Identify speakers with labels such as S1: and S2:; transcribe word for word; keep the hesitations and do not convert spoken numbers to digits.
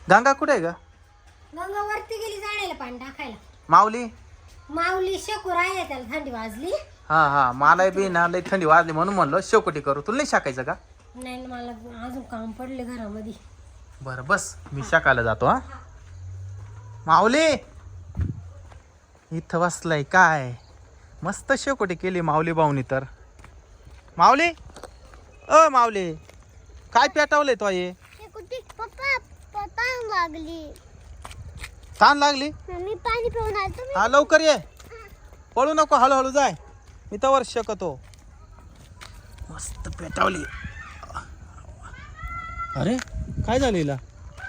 S1: गंगा कुठे आहे ग?
S2: गंगा वरती गेली जाण्याला पाणी टाकायला.
S1: माऊली
S2: माऊली शेकू राहिले त्याला थंडी वाजली.
S1: हा हा मला बी ना लई थंडी वाजली म्हणून म्हणलं शेकोटी करू. तुला नाही शाकायचं का?
S2: नाही ना, मला अजून काम पडले घरामध्ये.
S1: बरं बस मी शाकायला जातो. हा माऊली इथं बसलाय काय मस्त शेकोटी केली माऊली भाऊनी तर. माऊली अ माऊली काय पेटवलंय तो ये?
S2: पप्पा पप्पा लागली.
S1: ताण लागली?
S2: मी पाणी पिऊन आलो.
S1: हा लवकर ये, पळू नको, हळूहळू जाय. मी तवर शकतो. मस्त पेटवली. अरे काय झालं हिला?